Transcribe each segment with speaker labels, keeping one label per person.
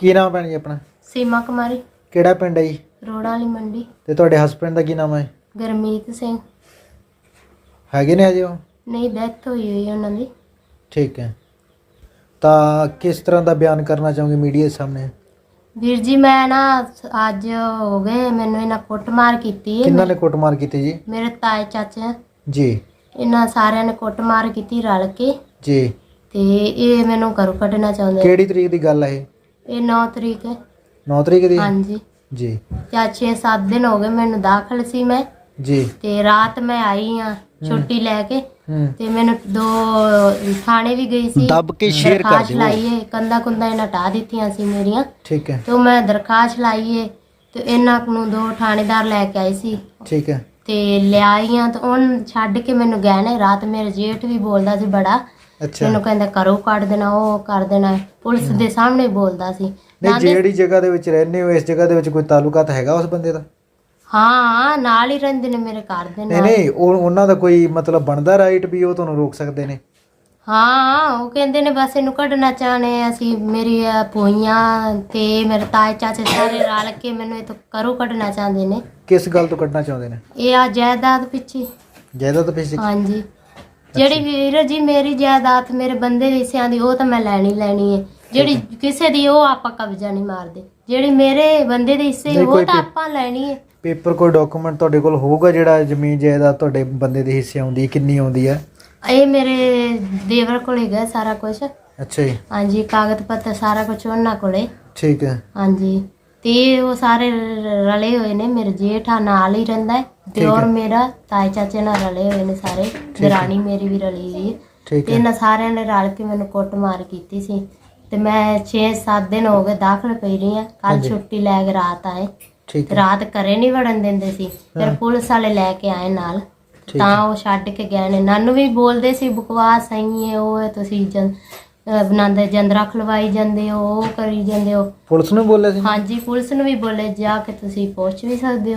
Speaker 1: ਕੀ ਨਾਮ ਭੈਣ ਜੀ ਆਪਣਾ?
Speaker 2: ਸੀਮਾ ਕੁਮਾਰੀ,
Speaker 1: ਕਿਹੜਾ ਪਿੰਡ ਹੈ ਜੀ?
Speaker 2: ਰੋੜਾ ਵਾਲੀ ਮੰਡੀ।
Speaker 1: ਤੇ ਤੁਹਾਡੇ ਹਸਬੈਂਡ ਦਾ ਕੀ ਨਾਮ ਹੈ?
Speaker 2: ਗਰਮੀਤ ਸਿੰਘ।
Speaker 1: ਹੈਗੇ ਨੇ ਅਜੇ ਉਹ?
Speaker 2: ਨਹੀਂ, ਡੈਥ ਹੋਈ ਉਹਨਾਂ ਦੀ।
Speaker 1: ਠੀਕ ਹੈ। ਤਾਂ ਕਿਸ ਤਰ੍ਹਾਂ ਦਾ ਬਿਆਨ ਕਰਨਾ ਚਾਹੋਗੇ ਮੀਡੀਆ ਦੇ ਸਾਹਮਣੇ?
Speaker 2: ਵੀਰ ਜੀ, ਮੈਂ ਨਾ ਅੱਜ ਹੋ ਗਏ ਮੈਨੂੰ ਇਹਨਾਂ ਕੁੱਟਮਾਰ ਕੀਤੀ ਹੈ।
Speaker 1: ਕਿਹਨਾਂ ਨੇ ਕੁੱਟਮਾਰ ਕੀਤੀ ਜੀ?
Speaker 2: ਮੇਰੇ ਤਾਏ ਚਾਚੇ
Speaker 1: ਜੀ।
Speaker 2: ਇਹਨਾਂ ਸਾਰਿਆਂ ਨੇ ਕੁੱਟਮਾਰ ਕੀਤੀ ਰਲ ਕੇ।
Speaker 1: ਜੀ।
Speaker 2: ਤੇ ਇਹ ਮੈਨੂੰ ਘਰੋਂ ਕੱਢਣਾ ਚਾਹੁੰਦੇ।
Speaker 1: ਕਿਹੜੀ ਤਰੀਕ ਦੀ ਗੱਲ ਹੈ ਇਹ?
Speaker 2: ਇਹ 9 ਤਰੀਕ ਹੈ।
Speaker 1: 9 ਤਰੀਕ ਦੀ?
Speaker 2: ਹਾਂਜੀ
Speaker 1: ਜੀ।
Speaker 2: ਤੇ 6-7 ਦਿਨ ਹੋ ਗਏ ਮੈਨੂੰ ਦਾਖਲ ਸੀ ਮੈਂ।
Speaker 1: ਜੀ।
Speaker 2: ਤੇ ਰਾਤ ਮੈਂ ਆਈ ਆ ਛੁੱਟੀ ਲੈ ਕੇ। ਤੇ ਮੈਨੂੰ 2 ਥਾਣੇ ਵੀ ਗਈ ਸੀ।
Speaker 1: ਦੱਬ ਕੇ ਸ਼ੇਅਰ ਕਰ ਦਿਓ।
Speaker 2: ਲਾਈਏ ਕੰਦਾ ਕੁੰਦਾ ਇਹਨਾਂ ਹਟਾ ਦਿੱਤੀਆਂ ਸੀ ਮੇਰੀਆਂ।
Speaker 1: ਠੀਕ ਹੈ।
Speaker 2: ਤੇ ਮੈਂ ਦਰਖਾਸਤ ਲਾਈਏ ਤੇ ਇਹਨਾਂ ਨੂੰ 2 ਥਾਣੇਦਾਰ ਲੈ ਕੇ ਆਏ ਸੀ।
Speaker 1: ਠੀਕ ਹੈ।
Speaker 2: ਤੇ ਲਿਆਈਆਂ ਤੇ ਉਹਨ ਛੱਡ ਕੇ ਮੈਨੂੰ ਗਏ ਨੇ। ਰਾਤ ਮੇਰੇ ਜੇਠ ਵੀ ਬੋਲਦਾ ਸੀ ਬੜਾ।
Speaker 1: ਅੱਛਾ।
Speaker 2: ਮੈਨੂੰ ਕਹਿੰਦਾ ਘਰੋਂ ਕੱਢ ਦੇਣਾ, ਉਹ ਕਰ ਦੇਣਾ। ਪੁਲਿਸ ਦੇ ਸਾਹਮਣੇ ਬੋਲਦਾ ਸੀ।
Speaker 1: ਨਹੀਂ, ਜਿਹੜੀ ਜਗ੍ਹਾ ਦੇ ਵਿੱਚ ਰਹਿੰਦੇ ਹੋ ਇਸ ਜਗ੍ਹਾ ਦੇ ਵਿੱਚ ਕੋਈ ਤਾਲੁਕਾਤ ਹੈਗਾ ਉਸ ਬੰਦੇ ਦਾ?
Speaker 2: ਹਾਂ, ਨਾਲ ਹੀ ਰਹਿੰਦੇ ਨੇ ਮੇਰੇ ਘਰ ਦੇ ਨਾਲ।
Speaker 1: ਨਹੀਂ, ਉਹਨਾਂ ਦਾ ਕੋਈ ਮਤਲਬ ਬਣਦਾ ਰਾਈਟ ਵੀ ਉਹ ਤੁਹਾਨੂੰ ਰੋਕ ਸਕਦੇ ਨੇ?
Speaker 2: ਹਾਂ, ਉਹ ਕਹਿੰਦੇ ਨੇ ਬਸ ਇਹਨੂੰ ਕੱਢਣਾ ਚਾਹਨੇ ਅਸੀਂ। ਮੇਰੀ ਭੂਈਆਂ ਤੇ ਮੇਰੇ ਤਾਏ ਚਾਚੇ ਸਾਰੇ ਰਲ ਕੇ ਮੈਨੂੰ ਇਹ ਤੋਂ ਘਰੋਂ ਕੱਢਣਾ ਚਾਹੁੰਦੇ ਨੇ।
Speaker 1: ਕਿਸ ਗੱਲ ਤੋਂ ਕੱਢਣਾ ਚਾਹੁੰਦੇ ਨੇ?
Speaker 2: ਇਹ ਆ ਜਾਇਦਾਦ ਪਿੱਛੇ।
Speaker 1: ਜਾਇਦਾਦ ਪਿੱਛੇ?
Speaker 2: ਹਾਂਜੀ। ਜਿਹੜੀ ਵੀਰ ਜੀ ਮੇਰੀ ਜਾਇਦਾਦ ਮੇਰੇ ਬੰਦੇ ਦੇ ਹਿੱਸਿਆਂ ਦੀ ਉਹ ਤਾਂ ਮੈਂ ਲੈਣੀ ਹੈ। ਜਿਹੜੀ ਕਿਸੇ ਦੀ ਉਹ ਆਪਾਂ ਕਬਜ਼ਾ ਨਹੀਂ ਮਾਰਦੇ। ਜਿਹੜੀ ਮੇਰੇ ਬੰਦੇ ਦੇ ਹਿੱਸੇ ਉਹ ਤਾਂ ਆਪਾਂ ਲੈਣੀ ਹੈ।
Speaker 1: ਪੇਪਰ ਕੋਈ ਡਾਕੂਮੈਂਟ ਤੁਹਾਡੇ ਕੋਲ ਹੋਊਗਾ ਜਿਹੜਾ ਜ਼ਮੀਨ ਜਾਇਦਾਦ ਤੁਹਾਡੇ ਬੰਦੇ ਦੇ ਹਿੱਸੇ ਆਉਂਦੀ ਹੈ, ਕਿੰਨੀ ਆਉਂਦੀ ਹੈ? ਇਹ
Speaker 2: ਮੇਰੇ ਦੇਵਰ ਕੋਲ ਹੈਗਾ ਸਾਰਾ ਕੁਝ।
Speaker 1: ਅੱਛਾ ਜੀ।
Speaker 2: ਹਾਂਜੀ, ਕਾਗਜ਼ ਪੱਤਰ ਸਾਰਾ ਕੁਝ ਉਹਨਾਂ ਕੋਲੇ।
Speaker 1: ਠੀਕ ਹੈ।
Speaker 2: ਹਾਂਜੀ। ਤੇ ਉਹ ਸਾਰੇ ਰਲੇ ਹੋਏ ਨੇ। ਮੇਰੇ ਜੇਠਾ ਨਾਲ ਹੀ ਰਹਿੰਦਾ ਹੈ ਤੇ ਔਰ ਮੇਰਾ ਤਾਏ ਚਾਚੇ ਨਾਲ ਰਲੇ ਹੋਏ ਨੇ ਸਾਰੇ। ਦਰਾਣੀ ਮੇਰੀ ਵੀ ਰਲੀ ਹੋਈ ਹੈ। ਤੇ ਇਹਨਾਂ ਸਾਰਿਆਂ ਨੇ ਰਲ ਕੇ ਮੈਨੂੰ ਕੁੱਟਮਾਰ ਕੀਤੀ ਸੀ। ਤੇ ਮੈਂ 6-7 ਦਿਨ ਹੋ ਗਏ ਦਾਖਲ ਪਈ ਰਹੀ ਹਾਂ। ਕੱਲ ਛੁੱਟੀ ਲੈ ਕੇ ਰਾਤ ਆਏ। ਰਾਤ ਘਰੇ ਨਹੀਂ ਵੜਨ ਦਿੰਦੇ ਸੀ। ਫਿਰ ਪੁਲਿਸ ਵਾਲੇ ਲੈ ਕੇ ਆਏ ਨਾਲ, ਤਾਂ ਉਹ ਛੱਡ ਕੇ ਗਏ ਨੇ। ਨਾਨੂੰ ਵੀ ਬੋਲਦੇ ਸੀ ਬਕਵਾਸ ਸਹੀ ਹੈ, ਉਹ ਹੈ ਤੁਸੀਂ ਬਣਾਉਂਦੇ ਜੰਦਰਾ ਖਲਵਾਈ ਜਾਂਦੇ ਹੋ, ਉਹ ਕਰੀ ਜਾਂਦੇ ਹੋ।
Speaker 1: ਪੁਲਿਸ ਨੂੰ ਬੋਲੇ ਸੀ?
Speaker 2: ਹਾਂਜੀ, ਪੁਲਿਸ ਨੂੰ ਵੀ ਬੋਲੇ ਜਾ ਕੇ ਤੁਸੀਂ ਪੁੱਛ ਵੀ ਸਕਦੇ ਹੋ।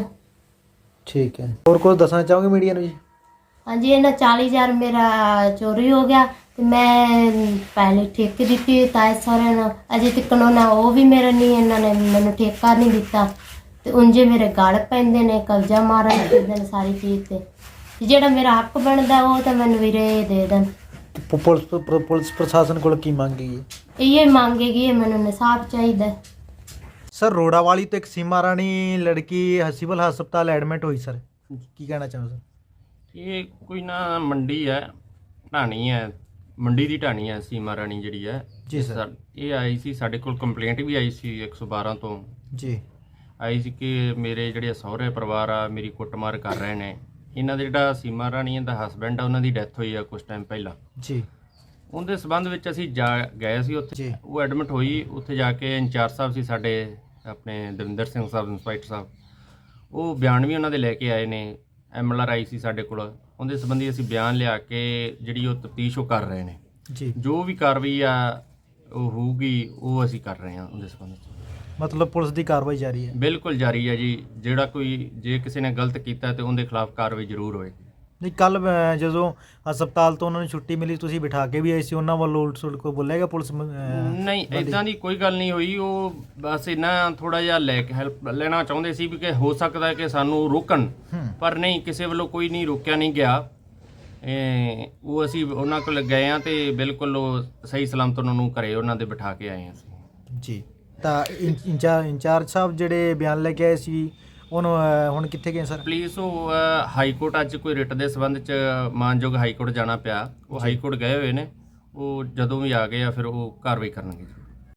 Speaker 1: ਠੀਕ ਹੈ। ਹੋਰ ਕੁਝ ਦੱਸਣਾ ਚਾਹੋਗੇ ਮੀਡੀਆ ਨੂੰ ਜੀ? ਹਾਂਜੀ,
Speaker 2: ਇਹਨਾਂ 40,000 ਮੇਰਾ ਚੋਰੀ ਹੋ ਗਿਆ ਤੇ ਮੈਂ ਪਹਿਲੇ ਠੇਕੇ ਦਿੱਤੀ ਤਾਏ ਸਹੁਰਿਆਂ ਨੂੰ। ਅਜੇ ਤੱਕ ਉਹਨਾਂ ਉਹ ਵੀ ਮੇਰਾ ਨਹੀਂ, ਇਹਨਾਂ ਨੇ ਮੈਨੂੰ ਠੇਕਾ ਨਹੀਂ ਦਿੱਤਾ। ਤੇ ਉਂਝੇ ਮੇਰੇ ਗਲ ਪੈਂਦੇ ਨੇ, ਕਬਜ਼ਾ ਮਾਰਨ ਦੇ ਨੇ ਸਾਰੀ ਚੀਜ਼ ਤੇ ਜਿਹੜਾ ਮੇਰਾ ਹੱਕ ਬਣਦਾ ਉਹ ਤਾਂ ਮੈਨੂੰ ਵੀਰੇ ਦੇ ਦੇਣ।
Speaker 1: ਪੁਲਿਸ ਪ੍ਰਸ਼ਾਸਨ ਕੋਲ ਕੀ ਮੰਗੇਗੀ?
Speaker 2: ਇਹ ਮੰਗੇਗੀ ਮੈਨੂੰ ਇਨਸਾਫ ਚਾਹੀਦਾ।
Speaker 1: ਸਰ, ਰੋੜਾ ਵਾਲੀ ਤੋਂ ਇੱਕ ਸੀਮਾ ਰਾਣੀ ਲੜਕੀ ਸਿਵਲ ਹਸਪਤਾਲ ਐਡਮਿਟ ਹੋਈ ਸਰ, ਕੀ ਕਹਿਣਾ ਚਾਹੋ ਸਰ?
Speaker 3: ਇਹ ਕੋਈ ਨਾ ਮੰਡੀ ਹੈ, ਢਾਣੀ ਹੈ, ਮੰਡੀ ਦੀ ਢਾਣੀ ਹੈ ਸੀਮਾ ਰਾਣੀ ਜਿਹੜੀ ਹੈ
Speaker 1: ਜੀ ਸਰ।
Speaker 3: ਇਹ ਆਈ ਸੀ ਸਾਡੇ ਕੋਲ, ਕੰਪਲੇਂਟ ਵੀ ਆਈ ਸੀ 112 ਤੋਂ
Speaker 1: ਜੀ
Speaker 3: ਆਈ ਸੀ ਕਿ ਮੇਰੇ ਜਿਹੜੇ ਸਹੁਰੇ ਪਰਿਵਾਰ ਆ ਮੇਰੀ ਕੁੱਟਮਾਰ ਕਰ ਰਹੇ ਨੇ। ਇਹਨਾਂ ਦੇ ਜਿਹੜਾ ਸੀਮਾ ਰਾਣੀ ਦਾ ਹਸਬੈਂਡ ਆ ਉਹਨਾਂ ਦੀ ਡੈਥ ਹੋਈ ਆ ਕੁਝ ਟਾਈਮ ਪਹਿਲਾਂ
Speaker 1: ਜੀ।
Speaker 3: ਉਹਦੇ ਸੰਬੰਧ ਵਿੱਚ ਅਸੀਂ ਗਏ ਸੀ ਉੱਥੇ। ਉਹ ਐਡਮਿਟ ਹੋਈ। ਉੱਥੇ ਜਾ ਕੇ ਇੰਚਾਰਜ ਸਾਹਿਬ ਸੀ ਸਾਡੇ ਆਪਣੇ ਦਵਿੰਦਰ ਸਿੰਘ ਸਾਹਿਬ, ਇੰਸਪੈਕਟਰ ਸਾਹਿਬ, ਉਹ ਬਿਆਨ ਵੀ ਉਹਨਾਂ ਦੇ ਲੈ ਕੇ ਆਏ ਨੇ। MLR ਆਈ ਸੀ ਸਾਡੇ ਕੋਲ, ਉਹਦੇ ਸੰਬੰਧੀ ਅਸੀਂ ਬਿਆਨ ਲਿਆ ਕੇ ਜਿਹੜੀ ਉਹ ਤਫਤੀਸ਼ ਉਹ ਕਰ ਰਹੇ ਨੇ ਜੀ। ਜੋ ਵੀ ਕਾਰਵਾਈ ਆ ਉਹ ਹੋਊਗੀ ਉਹ ਅਸੀਂ ਕਰ ਰਹੇ ਹਾਂ ਉਹਦੇ ਸੰਬੰਧ ਵਿੱਚ।
Speaker 1: ਮਤਲਬ ਪੁਲਿਸ ਦੀ ਕਾਰਵਾਈ ਜਾਰੀ ਹੈ? ਬਿਲਕੁਲ
Speaker 3: ਜਾਰੀ ਹੈ ਜੀ। ਜਿਹੜਾ ਕੋਈ ਜੇ ਕਿਸੇ ਨੇ ਗਲਤ ਕੀਤਾ ਤੇ ਉਹਦੇ ਖਿਲਾਫ ਕਾਰਵਾਈ ਜ਼ਰੂਰ ਹੋਏਗੀ।
Speaker 1: ਨਹੀਂ, ਕੱਲ ਜਦੋਂ ਹਸਪਤਾਲ ਤੋਂ ਉਹਨਾਂ ਨੂੰ ਛੁੱਟੀ ਮਿਲੀ ਤੁਸੀਂ ਬਿਠਾ ਕੇ ਵੀ ਆਏ ਸੀ, ਉਹਨਾਂ ਵੱਲੋਂ ਉਲਟ ਸੁਲਟ ਕੋਈ ਬੋਲਿਆ ਗਿਆ ਪੁਲਿਸ?
Speaker 3: ਨਹੀਂ, ਇੱਦਾਂ ਦੀ ਕੋਈ ਗੱਲ ਨਹੀਂ ਹੋਈ। ਉਹ ਬਸ ਇਹਨਾਂ ਥੋੜਾ ਜਿਹਾ ਲੈ ਕੇ ਹੈਲਪ ਲੈਣਾ ਚਾਹੁੰਦੇ ਸੀ ਵੀ ਕਿ ਹੋ ਸਕਦਾ ਹੈ ਕਿ ਸਾਨੂੰ ਰੋਕਣ, ਪਰ ਨਹੀਂ, ਕਿਸੇ ਵੱਲੋਂ ਕੋਈ ਨਹੀਂ ਰੋਕਿਆ ਨਹੀਂ ਗਿਆ। ਉਹ ਅਸੀਂ ਉਹਨਾਂ ਕੋਲ ਗਏ ਹਾਂ ਤੇ ਬਿਲਕੁਲ ਉਹ ਸਹੀ ਸਲਾਮਤ ਉਹਨਾਂ ਨੂੰ ਘਰੇ ਉਹਨਾਂ ਦੇ ਬਿਠਾ ਕੇ ਆਏ ਹਾਂ ਅਸੀਂ
Speaker 1: ਜੀ। ਤਾਂ ਇੰਚਾਰਜ ਸਾਹਿਬ ਜਿਹੜੇ ਬਿਆਨ ਲੈ ਕੇ ਆਏ ਸੀ ਉਹਨੂੰ ਹੁਣ ਕਿੱਥੇ ਗਏ ਸਰ?
Speaker 3: ਪਲੀਜ਼ ਉਹ ਹਾਈ ਕੋਰਟ ਅੱਜ ਕੋਈ ਰਿਟ ਦੇ ਸੰਬੰਧ 'ਚ ਮਾਨਯੋਗ ਹਾਈ ਕੋਰਟ ਜਾਣਾ ਪਿਆ। ਉਹ ਹਾਈ ਕੋਰਟ ਗਏ ਹੋਏ ਨੇ। ਉਹ ਜਦੋਂ ਵੀ ਆ ਗਏ ਆ ਫਿਰ ਉਹ ਕਾਰਵਾਈ ਕਰਨਗੇ।